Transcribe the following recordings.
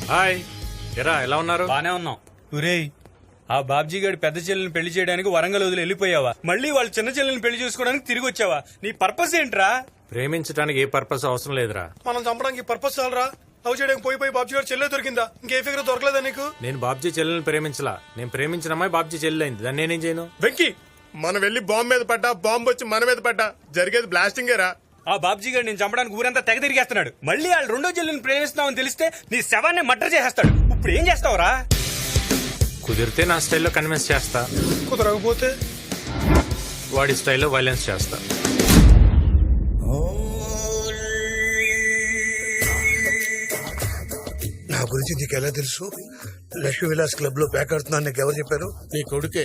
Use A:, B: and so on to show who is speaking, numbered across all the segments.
A: Hi ఎరా ఎలా ఉన్నారు?
B: బానే ఉన్నాం. ఒరేయ్, ఆ బాబ్జీ గారి పెద్ద చెల్లెని పెళ్లి చేయడానికి వరంగల్ వదిలి వెళ్ళిపోయావా? మళ్ళీ వాళ్ళ చిన్న చెల్లెని పెళ్లి చేసుకోవడానికి తిరిగి వచ్చావా? నీ పర్పస్ ఏంట్రా?
A: ప్రేమించడానికి ఏ పర్పస్ అవసరం లేదురా.
C: మనం చంపడానికి పర్పస్ చాలరా? లవ్ చేయడానికి పోయి బాబ్జీ గారు చెల్లె దొరికిందా? ఇంకే ఫిగర్ దొరకలేదా నీకు?
A: నేను బాబ్జీ చెల్లెని ప్రేమించలా. నేను ప్రేమించిన అమ్మాయి బాబ్జీ చెల్లెలు అయింది. దాన్ని నేనేం చేయను?
C: వెంకీ, మనం వెళ్ళి బాంబు మీద పడ్డా, బాంబు వచ్చి మన మీద పడ్డా జరిగేది బ్లాస్టింగేరా.
B: ఆ బాబ్జీ గారు నేను చంపడానికి ఊరంతా తెగ తిరిగేస్తున్నాడు. మళ్ళీ వాళ్ళు రెండో చెల్లెని ప్రేమిస్తున్నామని తెలిస్తే నీ శవాన్ని మర్డర్ చేసేస్తాడు. ఇప్పుడు ఏం చేస్తావురా?
A: కుదిరితే నా స్టైల్లో కన్విన్స్ చేస్తా,
C: కుదరకపోతే
A: వాడి స్టైల్లో వైలెన్స్ చేస్తా.
D: నా గురించి నీకు ఎలా తెలుసు? లక్ష్మీ విలాస్ క్లబ్ లో ప్యాక్ ఆడుతున్నాను నీకు ఎవరు చెప్పారు?
E: నీ కొడుకే.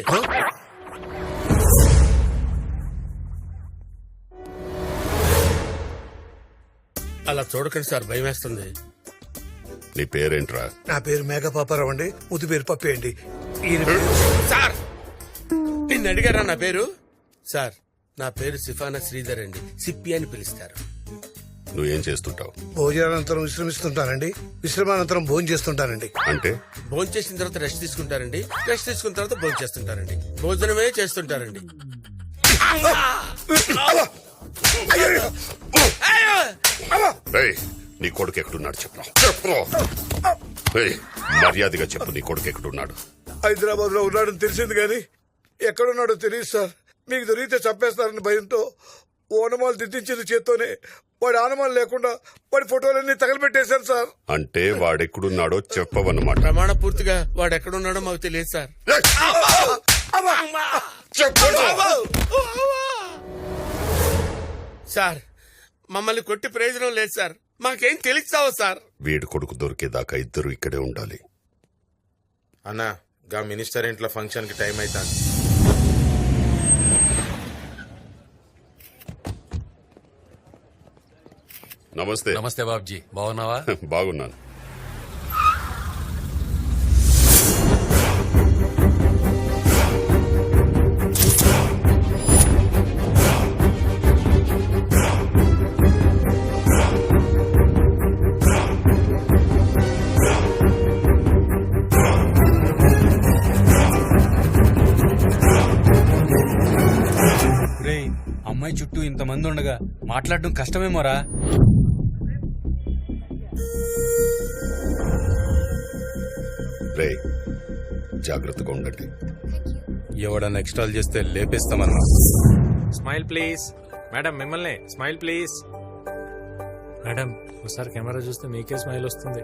E: అలా చూడకండి సార్, భయం వేస్తుంది.
F: నీ పేరేంట్రా?
D: నా పేరు మేఘపాపారావు అండి. ముద్దు పేరు పప్పి అండి. ఈయన పేరు
E: సార్, నిన్ను అడిగారా నా పేరు? సార్, నా పేరు సిఫానా శ్రీధర్ అండి. సిప్పి అని పిలుస్తారు.
F: నువ్వేం చేస్తుంటావు?
D: భోజనానంతరం విశ్రమిస్తుంటానండి. విశ్రమానంతరం భోజనం చేస్తుంటానండి.
F: అంటే
E: భోజనం చేసిన తర్వాత రెస్ట్ తీసుకుంటారండి. రెస్ట్ తీసుకున్న తర్వాత భోజనం చేస్తుంటారండి. భోజనమే చేస్తుంటారండి.
F: ఏయ్, నీ కొడుకు ఎక్కడున్నాడు చెప్పు. ఏయ్, మర్యాదగా చెప్పు, నీ కొడుకు ఎక్కడున్నాడు?
D: హైదరాబాద్ లో ఉన్నాడని తెలిసింది కానీ ఎక్కడున్నాడో తెలియదు సార్. మీకు దొరికితే చంపేస్తారని భయంతో ఓనమాలు దిద్దించేది చేత్తోనే. వాడి ఆనమాలు లేకుండా వాడి ఫోటోలన్నీ తగలబెట్టేశారు సార్.
F: అంటే వాడెక్కడున్నాడో చెప్పవన్నమాట.
E: ప్రమాణ పూర్తిగా వాడు ఎక్కడున్నాడో మాకు తెలియదు సార్. సార్, మమ్మల్ని కొట్టి ప్రయోజనం లేదు సార్. మాకేం తెలుస్తావా సార్?
F: వీడి కొడుకు దొరికేదాకా ఇద్దరు ఇక్కడే ఉండాలి.
G: అన్నా, గా మినిస్టర్ ఇంట్లో ఫంక్షన్ కి టైం అవుతాను.
F: నమస్తే.
H: నమస్తే బాబ్జీ, బాగున్నావా?
F: బాగున్నాను.
B: ఒరేయ్, అమ్మాయి చుట్టూ ఇంతమంది ఉండగా మాట్లాడడం కష్టమేమోరా.
F: రే, జాగ్రత్తగా ఉండండి.
B: ఎవడన్నా ఎక్స్ట్రాల్ చేస్తే లేపేస్తామన్నా.
A: Smile please. మేడం మిమ్మల్ని. Smile please. మేడం ఒకసారి కెమెరా చూస్తే మీకే స్మైల్ వస్తుంది.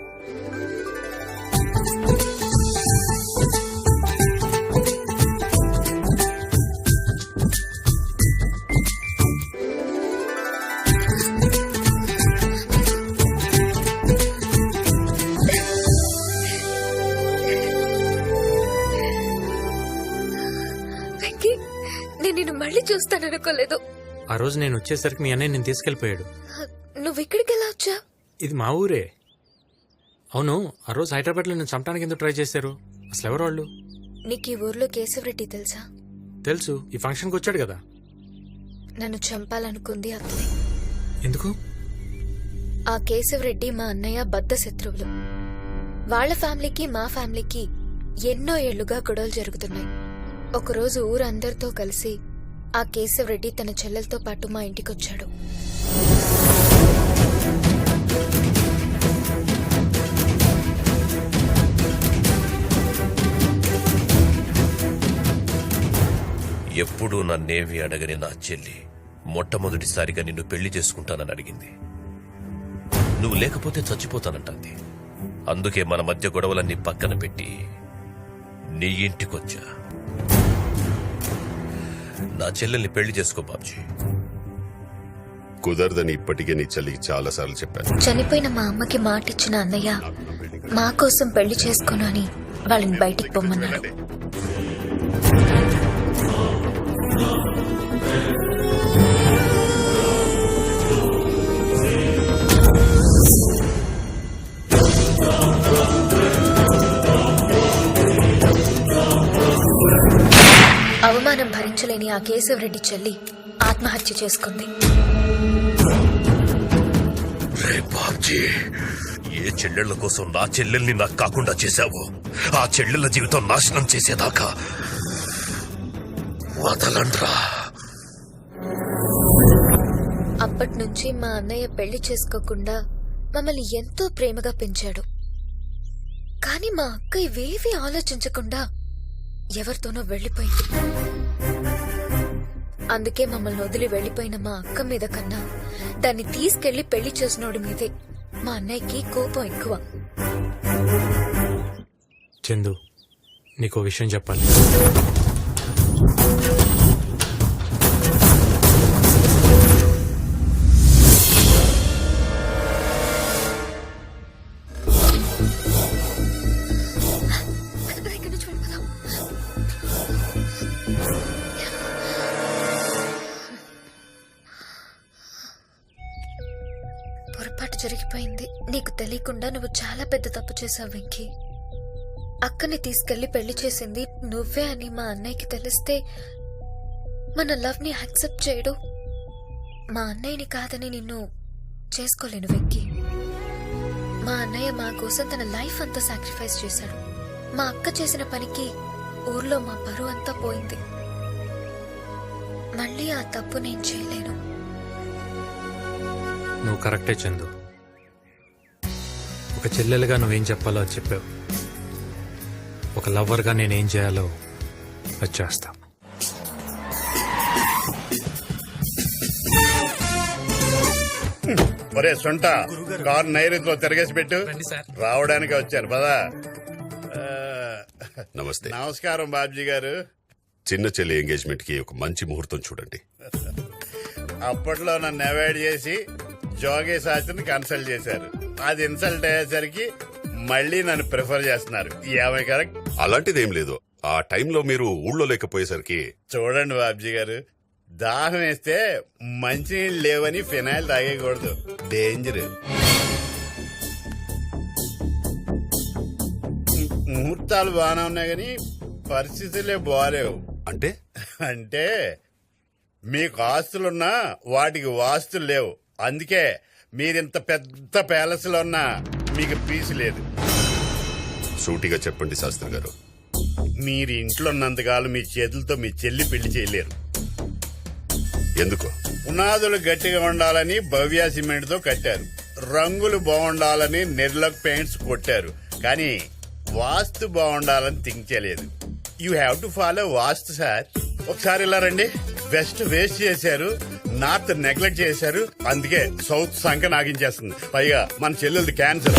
I: వెంకీ, నేను నిన్ను మళ్ళీ చూస్తాననుకోలేదు.
A: ఆ రోజు నేను వచ్చేసరికి మీ అన్నయ్య నేను తీసుకెళ్లిపోయాడు.
I: నువ్వు ఇక్కడికి ఎలా వచ్చా?
A: ఇది మా ఊరే. అవును, ఆ రోజు హైదరాబాద్ లో నేను చంపడానికి ఎందుకు ట్రై చేశారు? అసలు ఎవరు వాళ్ళు?
I: నీకు ఈ ఊర్లో కేశవరెడ్డి తెలుసా?
A: తెలుసు, ఈ ఫంక్షన్కి వచ్చాడు కదా.
I: నన్ను చంపాలనుకుంది అతనే.
A: ఎందుకు?
I: ఆ కేశవరెడ్డి మా అన్నయ్య బద్ధ శత్రువులు. వాళ్ళ ఫ్యామిలీకి మా ఫ్యామిలీకి ఎన్నో ఏళ్లుగా గొడవలు జరుగుతున్నాయి. ఒకరోజు ఊరందరితో కలిసి ఆ కేశవరెడ్డి తన చెల్లెలతో పాటు మా ఇంటికొచ్చాడు.
J: ఎప్పుడూ నన్నేమీ అడగని నా చెల్లి మొట్టమొదటిసారిగా నిన్ను పెళ్లి చేసుకుంటానని అడిగింది. నువ్వు లేకపోతే చచ్చిపోతానంటుంది. అందుకే మన మధ్య గొడవలన్నీ పక్కన పెట్టి నీ ఇంటికొచ్చా. నా చెల్లెల్ని పెళ్లి చేసుకో బాబ్జీ.
F: కుదరదని ఇప్పటికే నీ చెల్లికి చాలా సార్లు చెప్పాను.
I: చనిపోయిన మా అమ్మకి మాట ఇచ్చిన అన్నయ్య మా కోసం పెళ్లి చేసుకోను అని వాళ్ళని బయటికి పొమ్మన్నాడు. అవమానం భరించలేని ఆ కేశవరెడ్డి చెల్లి ఆత్మహత్య చేసుకుంది.
F: రే బాబ్జీ,
J: ఏ చెల్లెళ్ల కోసం నా చెల్లెల్ని నాకు కాకుండా చేశావో ఆ చెల్లెళ్ళ జీవితం నాశనం చేసేదాకా వదలండ్రా.
I: అప్పటి నుంచి మా అన్నయ్య పెళ్లి చేసుకోకుండా మమ్మల్ని ఎంతో ప్రేమగా పెంచాడు. కానీ మా అక్క ఇవేవీ ఆలోచించకుండా ఎవరితోనో వెళ్లిపోయింది. అందుకే మమ్మల్ని వదిలి వెళ్లిపోయిన మా అక్క మీద కన్నా దాన్ని తీసుకెళ్లి పెళ్లి చేసినోడి మీదే మా అన్నయ్యకి కోపం ఎక్కువ.
A: చందు నీకు విషయం చెప్పాలి.
I: ఇక్కడి నుంచి వెళ్ళిపోదాం. పొరపాటు జరిగిపోయింది. నీకు తెలియకుండా నువ్వు చాలా పెద్ద తప్పు చేశావు వెంకీ. అక్కని తీసుకెళ్లి పెళ్లి చేసింది నువ్వే అని మా అన్నయ్యకి తెలిస్తే మన లవ్ ని యాక్సెప్ట్ చేయడు. మా అన్నయ్యని కాదని నిన్ను చేసుకోలేను వెంకీ. మా అన్నయ్య మా కోసం తన లైఫ్ అంతా సాక్రిఫైస్ చేశాడు. మా అక్క చేసిన పనికి ఊర్లో మా పరువు అంతా పోయింది. మళ్ళీ ఆ తప్పు నేను చేయలేను.
A: నువ్వు కరెక్టే చందు. ఒక చెల్లెలుగా నువ్వేం చెప్పాలో అది చెప్పావు. ఒక లవ్వర్గా నేనేం చేయాలో అది చేస్తా.
H: ఒరే సొంట కారు నైరుతిలో తిరగేసి పెట్టు. రావడానికి వచ్చాను పదా.
F: నమస్తే.
H: నమస్కారం బాబ్జీ గారు.
F: చిన్న చెల్లి ఎంగేజ్మెంట్ కి ఒక మంచి ముహూర్తం చూడండి.
H: అప్పట్లో నన్ను అవాయిడ్ చేసి జోగే శాస్త్రిని కన్సల్ట్ చేశారు. అది ఇన్సల్ట్ అయ్యేసరికి మళ్ళీ నన్ను ప్రిఫర్ చేస్తున్నారు. ఏమై కరెక్ట్?
F: అలాంటిదేం లేదు. ఆ టైంలో మీరు ఊళ్ళో లేకపోయేసరికి
H: చూడండి బాబ్జీ గారు, దాహం వేస్తే మంచినీళ్ళు లేవని ఫినాయిల్ తాగేయకూడదు, డేంజర్. ముహూర్తాలు బాగానే ఉన్నాయి కానీ పరిస్థితులే బాగాలేవు.
F: అంటే
H: అంటే మీకు ఆస్తులున్నా వాటికి వాస్తులు లేవు. అందుకే మీరింత పెద్ద ప్యాలెస్ లో ఉన్నా మీకు పీసు లేదు.
F: సూటిగా చెప్పండి శాస్త్రి గారు.
H: మీరు ఇంట్లో ఉన్నంతకాలం మీ చేతులతో మీ చెల్లి పెళ్లి చేయలేరు.
F: ఎందుకు?
H: పునాదులు గట్టిగా ఉండాలని భవ్య సిమెంట్ తో కట్టారు, రంగులు బాగుండాలని నిర్లక్ పెయింట్స్ కొట్టారు, కానీ వాస్తు బాగుండాలని థింక్ చేయలేదు. You have to follow vastu sir. ఒకసారి ఇలా రండి. వెస్ట్ వేస్ట్ చేశారు, నార్త్ నెగ్లెక్ట్ చేశారు, అందుకే సౌత్ సంఖ నాగించేస్తుంది. పైగా మన చెల్లెలది క్యాన్సర్.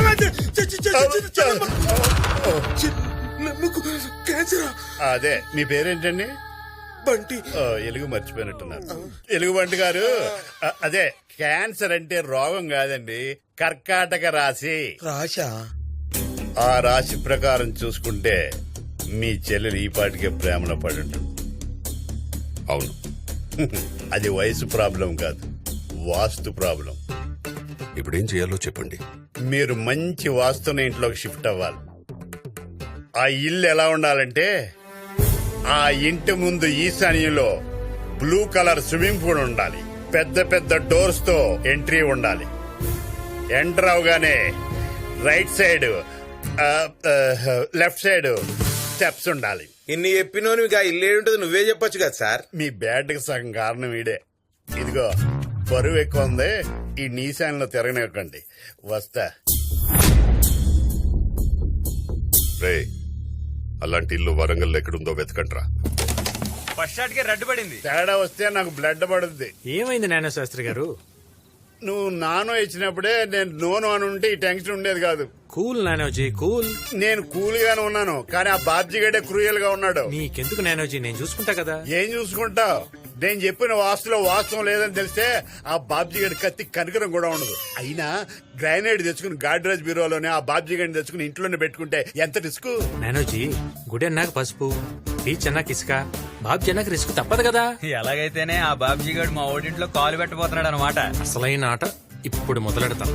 H: అదే మీ పేరేంటండి?
D: బంటి.
H: ఎలుగు మర్చిపోయినట్టున్నారు. ఎలుగుబంటి గారు, అదే క్యాన్సర్ అంటే రోగం కాదండి, కర్కాటక రాశి.
D: రాశా?
H: ఆ రాశి ప్రకారం చూసుకుంటే మీ చెల్లెలు ఈ పాటికే ప్రేమలో పడి ఉంటుంది.
F: అవును.
H: అది వయసు ప్రాబ్లం కాదు, వాస్తు ప్రాబ్లం.
F: ఇప్పుడేం చేయాలో చెప్పండి.
H: మీరు మంచి వాస్తున్న ఇంట్లోకి షిఫ్ట్ అవ్వాలి. ఆ ఇల్లు ఎలా ఉండాలంటే, ఆ ఇంటి ముందు ఈశాన్యంలో బ్లూ కలర్ స్విమ్మింగ్ పూల్ ఉండాలి, పెద్ద పెద్ద డోర్స్ తో ఎంట్రీ ఉండాలి. ఎంటర్ అవగానే right side left side steps ఉండాలి.
G: ఇన్ని చెప్పినోని ఇల్లు ఏంటో నువ్వే చెప్పొచ్చు కదా సార్.
H: మీ బ్యాడ్ కి సగం కారణం ఈడే. ఇదిగో బరువు ఎక్కువ ఉంది, ఈ నీశాన్లో తిరగనివ్వకండి. వస్తా.
F: రే, అలాంటి ఇల్లు వరంగల్ ఎక్కడుందో వెతకండ్రా.
B: ఫస్ట్ షాట్ కి రెడ్ పడింది.
H: తేడా వస్తే నాకు బ్లడ్ పడుద్ది.
A: ఏమైంది నానా శాస్త్రి గారు?
H: నువ్వు నానో ఇచ్చినప్పుడే నేను నోను అని ఉంటే ఈ టెన్షన్ ఉండేది కాదు.
A: కూల్ నానోజీ, కూల్.
H: నేను కూల్ గానే ఉన్నాను, కానీ ఆ బాబ్జీ గడే క్రూయల్ గా ఉన్నాడు.
A: నీకెందుకు నానోజీ, నేను చూసుకుంటా కదా.
H: ఏం చూసుకుంటావు? నేను చెప్పిన వాస్తులో వాస్తవం లేదని తెలిస్తే ఆ బాబ్జీ గడి కత్తి కనికరం కూడా ఉండదు. అయినా గ్రానైడ్ తెచ్చుకుని గాడ్రేజ్ బ్యూరోలోనే ఆ బాబ్జీ గడిని తెచ్చుకుని ఇంట్లోనే పెట్టుకుంటే ఎంత రిస్క్.
A: నానోజీ, గుడి అన్నాక పసుపు, బీచ్ అన్నాక ఇసుక, బాబ్జీ అన్నాక రిస్క్ తప్పదు కదా.
B: ఎలాగైతేనే ఆ బాబ్జీ గారు మా ఓడింట్లో కాలు పెట్టబోతున్నాడు అనమాట.
A: అసలైన ఆట ఇప్పుడు మొదలెడతాం.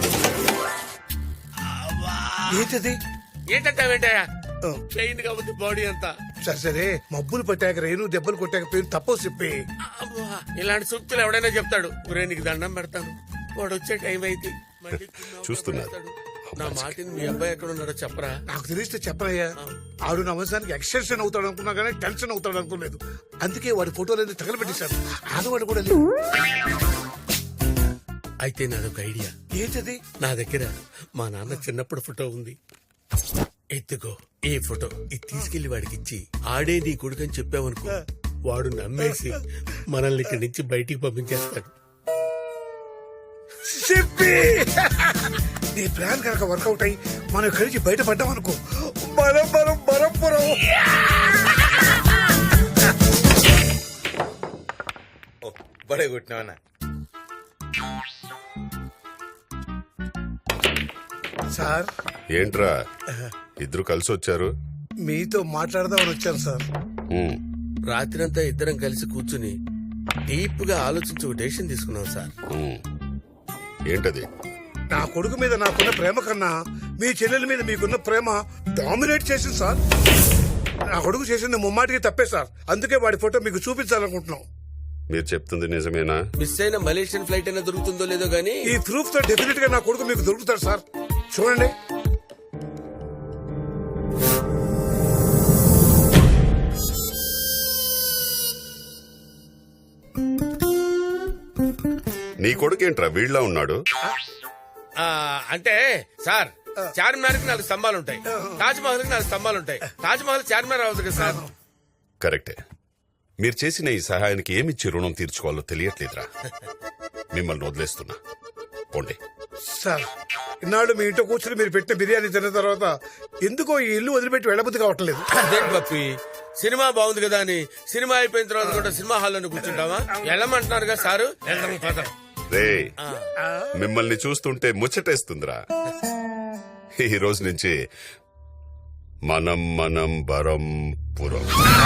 D: ఏంటది?
E: ఏంటంటావేంటయా? పెయిన్ కాబట్టి బాడీ అంతా.
D: సరే సరే, మబ్బులు పట్టాక రేణు దెబ్బలు కొట్టాక పేరు తప్పవు చెప్పి.
E: ఇలాంటి సూక్తులు ఎవడైనా చెప్తాడు. ఒరే నీకు దండం పెడతాను, వాడు వచ్చే టైం అయితే మళ్ళీ కుమ్మావు
F: చూస్తున్నారు.
E: కబురేస్తాడు. నా మాటిని మీ అబ్బాయి ఎక్కడ ఉన్నాడో చెప్పరా.
D: నాకు తెలిస్తే చెప్పనయ్యా ఆడు నా వంశానికి ఎక్స్టెన్షన్ అవుతాడు అనుకున్నా కానీ టెన్షన్ అవుతాడు అనుకోలేదు. అందుకే వాడి ఫోటోలన్నీ తగలబెట్టేశాడు. ఆడవాడు కూడా లేడు.
E: అయితే నాదొక ఐడియా.
D: ఏంటది?
E: నా దగ్గర మా నాన్న చిన్నప్పుడు ఫోటో ఉంది. ఎత్తుకో ఈ ఫోటో, ఇది తీసుకెళ్లి వాడికి ఇచ్చి ఆడే నీ కొడుకని చెప్పావనుకో, వాడు నమ్మేసి మనల్ని ఇక్కడి నుంచి బయటికి పంపించేస్తాడు.
D: చెప్పి నీ ప్లాన్ కనుక వర్కౌట్ అయ్యి మనం ఇక్కడి నుంచి బయటపడ్డాం అనుకో, బరంపురం.
G: బడే కొట్టినావన్నా.
D: సార్
F: ఏంట్రా ఇద్దరు కలిసి వచ్చారు?
D: మీతో మాట్లాడదామని వచ్చాను సార్.
F: ఉమ్,
E: రాత్రంతా ఇద్దరం కలిసి కూర్చుని డీప్ గా ఆలోచించి ఒక డెసిషన్ తీసుకున్నాం సార్.
F: ఉమ్. ఏంటది?
D: నా కొడుకు మీద నాకున్న ప్రేమ కన్నా మీ చెల్లెల మీద మీకున్న ప్రేమ డామినేట్ చేసింది సార్. నా కొడుకు చేసింది ముమ్మాటికి తప్పే సార్. అందుకే వాడి ఫోటో మీకు చూపించాలనుకుంటున్నాం.
F: మీరు చెప్తుంది నిజమేనా?
E: మిస్ అయిన మలేషియన్ ఫ్లైట్ అయినా దొరుకుతుందో లేదో గానీ
D: ఈ ప్రూఫ్ తో డెఫినెట్ గా నా కొడుకు మీకు దొరుకుతాడు సార్. చూడండి.
F: నీ కొడుకేంట్రా వీళ్ళ ఉన్నాడు?
E: అంటే సార్, చార్మినార్ కి 4 స్తంభాలు ఉంటాయి, తాజ్ మహల్ కి 4 స్తంభాలు ఉంటాయి. తాజ్ మహల్ చార్మినార్ అవుతుంది కదా సార్.
F: కరెక్టే. మీరు చేసిన ఈ సహాయానికి ఏమిచ్చి రుణం తీర్చుకోవాలో తెలియట్లేదురా. మిమ్మల్ని వదిలేస్తున్నా, పోండి.
D: సార్ ఇన్నాళ్ళు మీ ఇంట్లో కూర్చుని మీరు పెట్టిన బిర్యానీ తిన్న తర్వాత ఎందుకో ఈ ఇల్లు వదిలిపెట్టి వెళ్ళబుద్ధి కావట్లేదు.
E: అదేంటి పప్పి, సినిమా బాగుంది కదా అని సినిమా అయిపోయిన తర్వాత కూడా సినిమా హాల్లోనే కూర్చుంటావా? వెళ్ళమంటున్నారు కదా సారు.
F: రే, మిమ్మల్ని చూస్తుంటే ముచ్చటేస్తుందిరా. ఈ రోజు నుంచి మనం బరంపురం.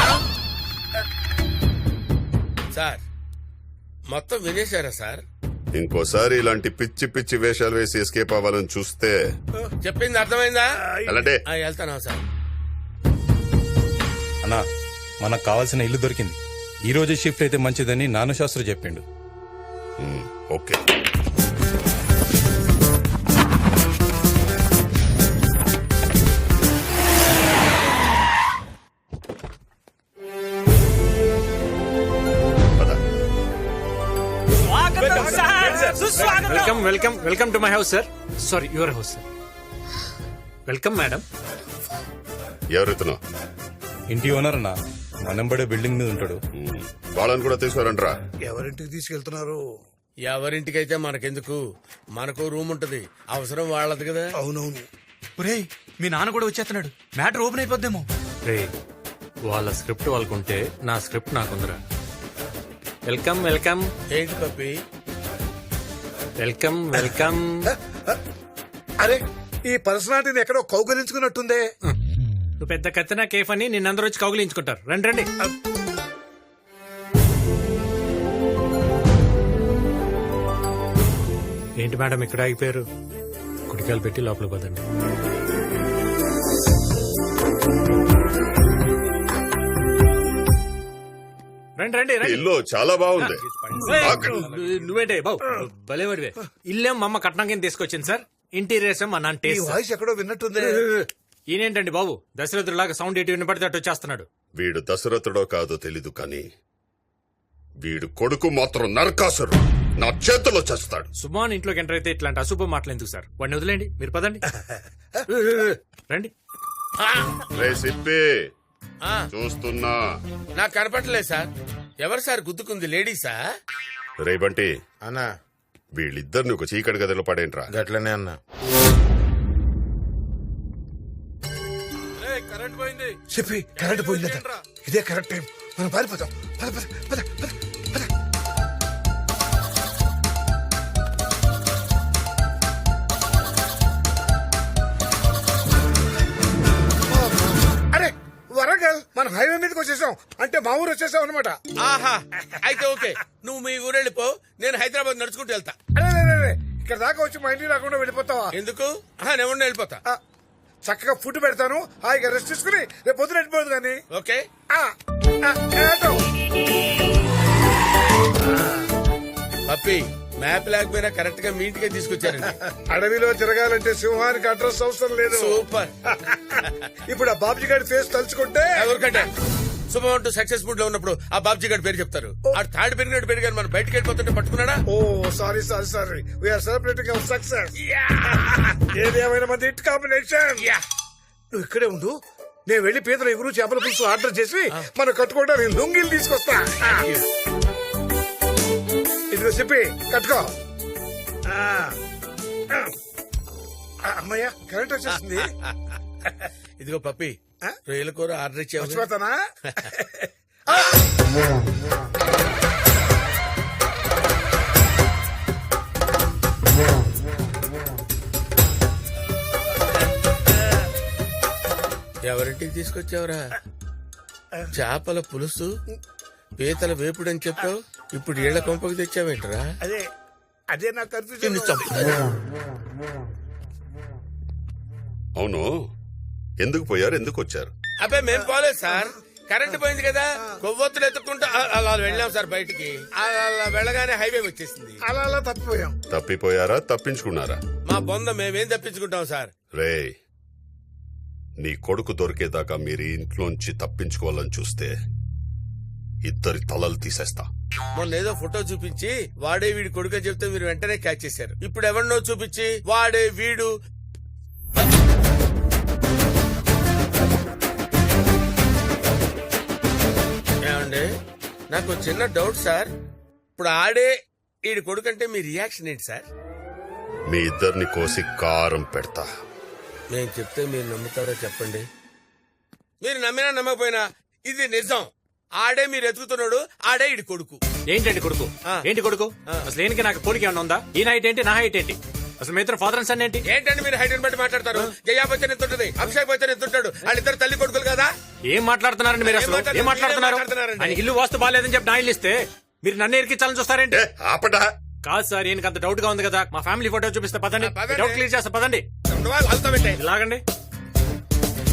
E: సార్ మొత్తం వినేశారా సార్?
F: ఇంకోసారి ఇలాంటి పిచ్చి పిచ్చి వేషాలు వేసి ఎస్కేప్ అవ్వాలని చూస్తే
E: చెప్పింది అర్థమైందా?
F: అలాంటే
E: వెళ్తానా సార్?
B: అన్నా, మనకు కావాల్సిన ఇల్లు దొరికింది. ఈ రోజు షిఫ్ట్ అయితే మంచిదని నాన్న శాస్త్రి చెప్పిండు.
F: Okay.
A: Welcome to my house sir. Sorry, your house sir. Welcome madam.
F: ఎవరెత్తునో?
B: ఇంటి ఓనర్ అన్న, మనంబడే బిల్డింగ్ మీద ఉంటాడు.
F: వాళ్ళని కూడా తీసుకురంట్రా.
D: ఎవరింటికి తీసుకెళ్తున్నారు?
E: ఎవరింటికైతే మనకెందుకు, మనకు రూమ్ ఉంటది, అవసరం వాళ్ళది కదా.
D: అవునవును.
B: ఒరేయ్, మీ నాన్న కూడా వచ్చేస్తున్నాడు. Matter open అయిపోద్దేమో.
A: రే, వాళ్ళ స్క్రిప్ట్ వాళ్ళకుంటే నా స్క్రిప్ట్ నాకుందరా. వెల్కమ్.
E: ఏంటి పప్పి?
A: వెల్కమ్.
D: అరే, ఈ పర్సనాలిటీని ఎక్కడో కౌగలించుకున్నట్టుందే.
A: నువ్వు పెద్ద కత్తినా కేఫ్ అని నిన్నందరూ వచ్చి కౌగిలించుకుంటారు. రండి. ఏంటి మేడం ఇక్కడ ఆగిపోయారు? కుడికాయలు పెట్టి లోపల పోదండి. రండి.
F: ఇల్లు చాలా బాగుంది.
A: నువ్వేంటే బాబు భలేవాడివే. ఇల్లేం మా అమ్మ కట్నం కింద తీసుకొచ్చింది సార్. ఇంటీరియర్స్ మా నాన్న
D: ఈ
A: టేస్ట్.
D: వాయిస్ ఎక్కడో విన్నట్టుందే.
A: ఈయనేంటండి బాబు దశరథులాగా సౌండ్ ఎటు వినపడితే అటు వచ్చేస్తున్నాడు.
F: వీడు దశరథుడో కాదో తెలీదు కానీ వీడు కొడుకు మాత్రం నరకాసురు. నా చేతిలో చేస్తాడు.
A: సుమాన్ ఇంట్లోకి ఎంటర్ అయితే ఇట్లాంటి అశుభ మాటలు ఎందుకు సార్? వాడిని వదిలేండి, మీరు పదండి. రండి.
F: రే సిప్పి,
E: ఆ,
F: చూస్తున్నా.
E: నాకు కనపడలేదు సార్. ఎవరు సార్ గుద్దుకుంది? లేడీసా?
F: రే బంటి,
G: అన్నా
F: వీళ్ళిద్దరిని ఒక చీకటి గదిలో పడేంట్రా.
G: గట్లనే అన్నా.
C: కరెంట్ పోయింది.
D: చెప్పి కరెంట్ పోయిందట. ఇదే కరెక్ట్ టైం, మనం పారిపోతాం. పద. అరే, వరంగల్ మనం హైవే మీదకి వచ్చేసాం. అంటే మా ఊరు వచ్చేసాం అనమాట.
E: ఆహా, అయితే ఓకే. నువ్వు మీ ఊరు వెళ్ళిపో, నేను హైదరాబాద్ నడుచుకుంటూ వెళ్తా.
D: అరే, ఇక్కడ దాకా వచ్చి మా ఇంటికి రాకుండా వెళ్ళిపోతావా?
E: ఎందుకు? నేను వెళ్ళిపోతా.
D: చక్కగా ఫుడ్ పెడతాను, హాయిగా రెస్ట్ తీసుకుని రేపు పొద్దున వెళ్ళిపోదు కానీ.
E: ఓకే. పప్పి, మ్యాప్ లేకపోయినా కరెక్ట్ గా మీ ఇంటికే తీసుకొచ్చారండి.
D: అడవిలో తిరగాలంటే సింహానికి అడ్రస్ అవసరం లేదు.
E: సూపర్.
D: ఇప్పుడు ఆ బాబ్జీ గారి ఫేస్ తలుచుకుంటే
E: ఎవరికంటే శుభం సక్సెస్ ఫుడ్ లో ఉన్నప్పుడు ఆ బాబ్జీ గారి పేరు చెప్తారు. ఆ తాడు పెరిగినట్టు పెరిగారు, మనం బయటకు వెళ్ళిపోతుంటే పట్టుకున్నాడా?
D: Oh sorry we are celebrating our success. ఏదేమైనా మంది హిట్ కాంబినేషన్. నువ్వు ఇక్కడే ఉండు, నేను వెళ్లి పీతల ఎగురు చేపల పులుసు ఆర్డర్ చేసి మనం కట్టుకోవడానికి లుంగిలు తీసుకొస్తా. ఇదిగో చెప్పి కట్టుకో. అమ్మయ్యా కరెంట్ వచ్చేసింది.
E: ఇదిగో పప్పి, రొయ్యల కూర ఆర్డర్ ఇచ్చావు.
D: మర్చిపోతానా?
E: ఎవరింటికి తీసుకొచ్చావురా? చేపల పులుసు, పీతల వేపుడు అని చెప్పావు, ఇప్పుడు ఏళ్ల కొంపకి తెచ్చావేంటరా?
D: అదే నాకు కన్ఫ్యూజన్.
F: అవును, ఎందుకు పోయారు, ఎందుకు వచ్చారు?
E: అబ్బాయి మేం పోలేదు సార్, కరెంట్ పోయింది కదా, కొవ్వొత్తులు ఎత్తుకుంటూ అలా వెళ్ళాం సార్ బయటికి. అలా వెళ్ళగానే హైవే వచ్చేసింది.
D: అలా తప్పిపోయాం.
F: తప్పిపోయారా, తప్పించుకున్నారా?
E: మా బొంద మేమేం తప్పించుకుంటాం సార్.
F: రే, నీ కొడుకు దొరికేదాకా మీరు ఇంట్లోంచి తప్పించుకోవాలని చూస్తే ఇద్దరి తలలు తీసేస్తా.
E: మొన్న ఏదో ఫోటో చూపించి వాడే వీడి కొడుకు చెప్తే మీరు వెంటనే క్యాచ్ చేశారు. ఇప్పుడు ఎవరినో చూపించి వాడే వీడు. ఏమండి, నాకు చిన్న డౌట్ సార్. ఇప్పుడు ఆడే వీడి కొడుకు అంటే మీ రియాక్షన్ ఏంటి సార్?
F: మీ ఇద్దరిని కోసి కారం పెడతా.
E: నేను చెప్తే మీరు నమ్ముతారో చెప్పండి. మీరు నమ్మినా నమ్మకపోయినా ఇది నిజం. ఆడే మీరు ఎతుకుతున్నాడు, ఆడే ఇడి కొడుకు.
A: ఏంటండి కొడుకు? ఏంటి కొడుకు? అసలు దేనికి నాకు పోలిక ఏమన్నా ఉందా? ఈ హైట్ ఏంటి, నా హైట్ ఏంటి? అసలు మీ ఇద్దరు ఫాదర్ అండ్ సన్ ఏంటి?
E: ఏంటండి మీరు హైట్ బట్టి మాట్లాడతారు? జయా బచ్చన్ ఎంత ఉంటుంది, అభిషేక్ బచ్చన్ ఎంత ఉంటాడు? వాళ్ళిద్దరు తల్లి కొడుకులు కదా.
A: ఏం మాట్లాడుతున్నారండి మీరు? అసలు ఏం మాట్లాడుతున్నారు? ఆయన ఇల్లు వాస్తు బాగాలేదని చెప్పి నా ఇల్లు ఇస్తే మీరు నన్ను ఎరికించాలని చూస్తారేంటి?
F: ఆపడా.
A: కాదు సార్, ఈయనకి అంత డౌట్ గా ఉంది కదా, మా ఫ్యామిలీ ఫోటో చూపిస్తే పదండి, డౌట్ క్లియర్ చేస్తా పదండి.
E: వాళ్ళతో పెట్టే
A: లాగండి.